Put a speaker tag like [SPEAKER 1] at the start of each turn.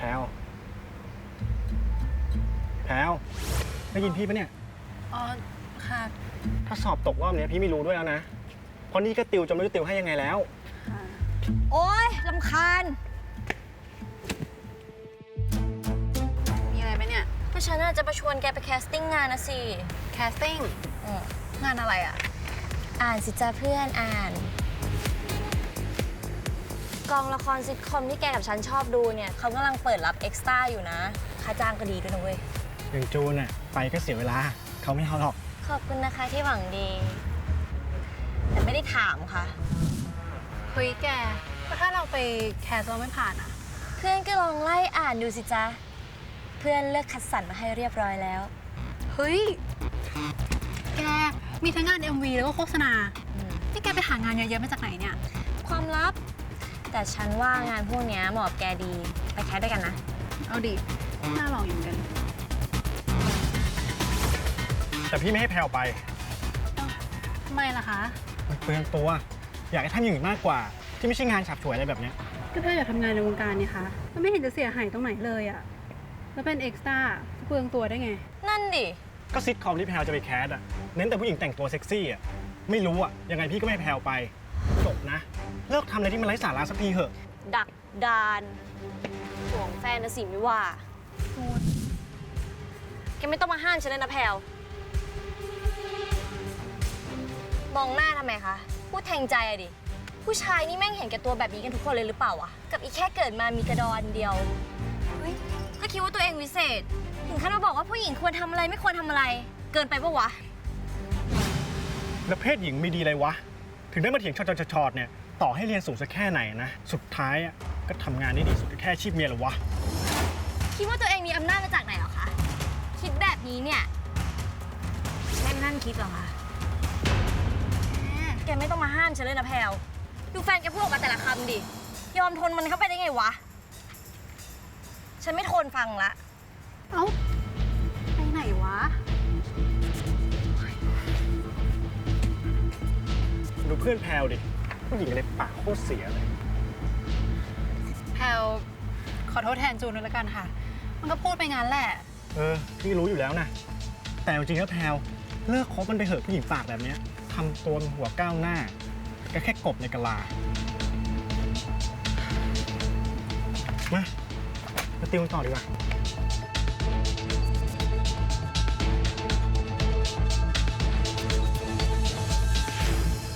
[SPEAKER 1] พรวได้ยินพี่ปะเนี่ย
[SPEAKER 2] อ๋อ ค่ะ
[SPEAKER 1] ถ้าสอบตกรอบนี้พี่ไม่รู้ด้วยแล้วนะ เพราะนี่ก็ติวจนไม่รู้ติวให้ยังไงแล้ว
[SPEAKER 3] โอ๊ยรำคาญ
[SPEAKER 2] มีอะไรไหมเนี่ย
[SPEAKER 3] ก็ฉันน่าจะมาชวนแกไปแคสติ้งงานนะสิ
[SPEAKER 2] แคสติ้งงานอะไรอ่ะ
[SPEAKER 3] อ่านสิจ้าเพื่อนอ่าน กองละครซิทคอมที่แกกับฉันชอบดูเนี่ยเขากำลังเปิดรับเอ็กซ์ตร้าอยู่นะ ค่าจ้างก็ดีด้วยนะเว้ย
[SPEAKER 1] อย่างจูนน่ะไปก็เสียเวลา เขาไม่เอาหรอก
[SPEAKER 3] ขอบคุณนะคะที่หวังดี แต่ไม่ได้ถามค่ะ
[SPEAKER 2] เฮ้ยแกก็ถ้าเราไปแคสเราไม่ผ่านอ่ะ
[SPEAKER 3] เพื่อนก็ลองไล่อ่านดูสิจ๊ะ เพื่อนเลือกคัดสรรมาให้เรียบร้อยแล้ว
[SPEAKER 2] เฮ้ย แก มีทั้งงาน MV แล้วก็โฆษณาที่แกไปหางานเยอะๆมาจากไหนเนี่ย
[SPEAKER 3] ความลับ แต่ฉันว่างานพวกนี้เหมาะกับแกดี ไปแคสด้วยกันนะ
[SPEAKER 2] เอาดิ น่าลองอยู่เหมือนกัน
[SPEAKER 1] แต่พี่ไม่ให้แพรวไป
[SPEAKER 2] ทำไมล่ะคะ
[SPEAKER 1] มันเปลืองตัว อยากให้ทำอย่างอื่นมากกว่า ที่ไม่ใช่งานฉับฉวยอะไรแบบเนี้ย
[SPEAKER 2] ก็เธออยากทำงานในวงการนี่คะมันไม่เห็นจะเสียหายตรงไหนเลยอ่ะ แล้วเป็นเอ็กซ์ตร้าเปลืองตัวได้ไง
[SPEAKER 3] นั่นดิ
[SPEAKER 1] ก็ซิทคอมที่แพรวจะไปแคสอะเน้นแต่ผู้หญิงแต่งตัวเซ็กซี่อะไม่รู้อะยังไงพี่ก็ไม่ให้แพรวไป จบนะ เลิกทำอะไรที่มันไร้สาระสักทีเถอะ
[SPEAKER 3] ดักดานห่วงแฟนนะสิไม่ว่าแกไม่ต้องมาห้ามฉันเลยนะแพลวมองหน้าทำไมคะ พูดแทงใจอะดิ ผู้ชายนี่แม่งเห็นแก่ตัวแบบนี้กันทุกคนเลยหรือเปล่าวะ กับอีแค่เกิดมามีกระดอนเดียว เฮ้ย ก็คิดว่าตัวเองวิเศษ ถึงขั้นมาบอกว่าผู้หญิงควรทำอะไรไม่ควรทำอะไร เกินไปปะวะ
[SPEAKER 1] แล้วเพศหญิงมีดีอะไรวะ ถึงได้มาเถียงชอดๆเนี่ย ต่อให้เรียนสูงสักแค่ไหนนะ สุดท้ายอะก็ทำงานได้ดีสุดแค่อาชีพเมียเหรอวะ
[SPEAKER 3] คิดว่าตัวเองมีอำนาจมาจากไหนเหรอคะ คิดแบบนี้เนี่ยไม่นั่นคิดหรอคะแกไม่ต้องมาห้ามฉันเลยนะแพลวดูแฟนแกพูดออกมาแต่ละคำดิ ยอมทนมันเข้าไปได้ไงวะ ฉันไม่ทนฟังละ
[SPEAKER 2] เอ้า ไปไหนวะ
[SPEAKER 1] ดูเพื่อนแพรวดิ ผู้หญิงอะไรปากโคตรเสียเลย
[SPEAKER 2] แพลวขอโทษแทนจูนด้วยละกันค่ะ มันก็พูดไปงั้นแหละ
[SPEAKER 1] พี่รู้อยู่แล้วนะ แต่จริงๆแล้วแพรวเลิกคบมันไปเหอะผู้หญิงปากแบบเนี้ยทำตัวเป็นหัวก้าวหน้าก็แค่กบในกะลา มาติวกันต่อดีกว่า